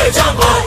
heyecan var.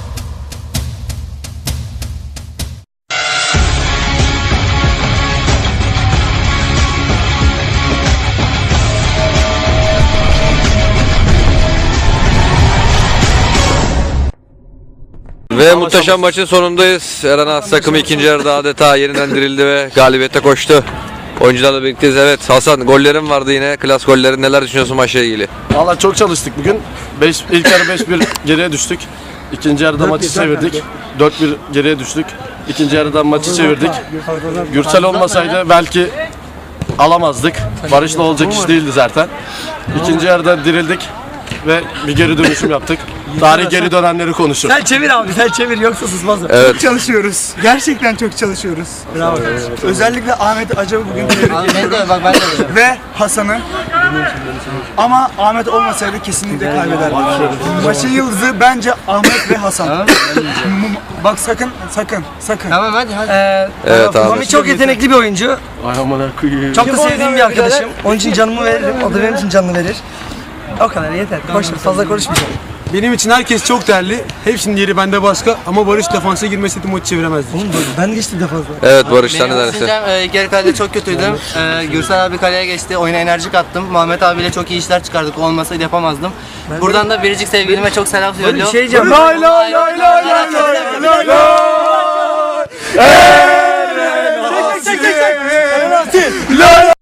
Ve muhteşem maçın sonundayız. Eren As takımı ikinci yarıda adeta yeniden dirildi ve galibiyete koştu. Oyuncularla birlikteyiz. Evet Hasan, gollerin vardı yine, klas gollerin. Neler düşünüyorsun maçla ilgili? Valla çok çalıştık bugün. İlk yarı 5-1 geriye düştük. İkinci yarıda maçı çevirdik. 4-1 geriye düştük. İkinci yarıda maçı çevirdik. Gürsel olmasaydı belki alamazdık. Barış'la olacak iş değildi zaten. İkinci yarıda dirildik ve bir geri dönüşüm yaptık. Tarih geri dönenleri konuşur. Sen çevir abi, sen çevir yoksa susmaz. Evet. Çok çalışıyoruz. Gerçekten çok çalışıyoruz. Bravo. Özellikle Ahmet Acab'ı bugün Abi ben de bak ben de. ve Hasan'ı. Ama Ahmet olmasaydı kesinlikle kaybederdik. Maçın yıldızı bence Ahmet ve Hasan. Bak sakın. Tamam hadi. Evet abi. Mami çok yetenekli bir oyuncu. Ay amına koyayım. Çok da sevdiğim bir arkadaşım. Onun için canımı veririm. O da benim için canını verir. O kadar yeter. Boş ver, fazla konuşmayacağım. Benim için herkes çok değerli. Hepsinin yeri bende başka ama Barış defansa girmeseydi maçı çeviremezdik. Oğlum ben geçtim de fazla. Evet Barış, sen ne dersin? Düşüncem ilk yarı kalede çok kötüydüm. Gürsel abi kaleye geçti. Oyuna enerji kattım. Muhammed abiyle çok iyi işler çıkardık. Olmasaydı yapamazdım. Buradan da biricik sevgilime çok selam Bir söylüyorum. şey diyeceğim. Lay lay lay lay lay lay lay lay.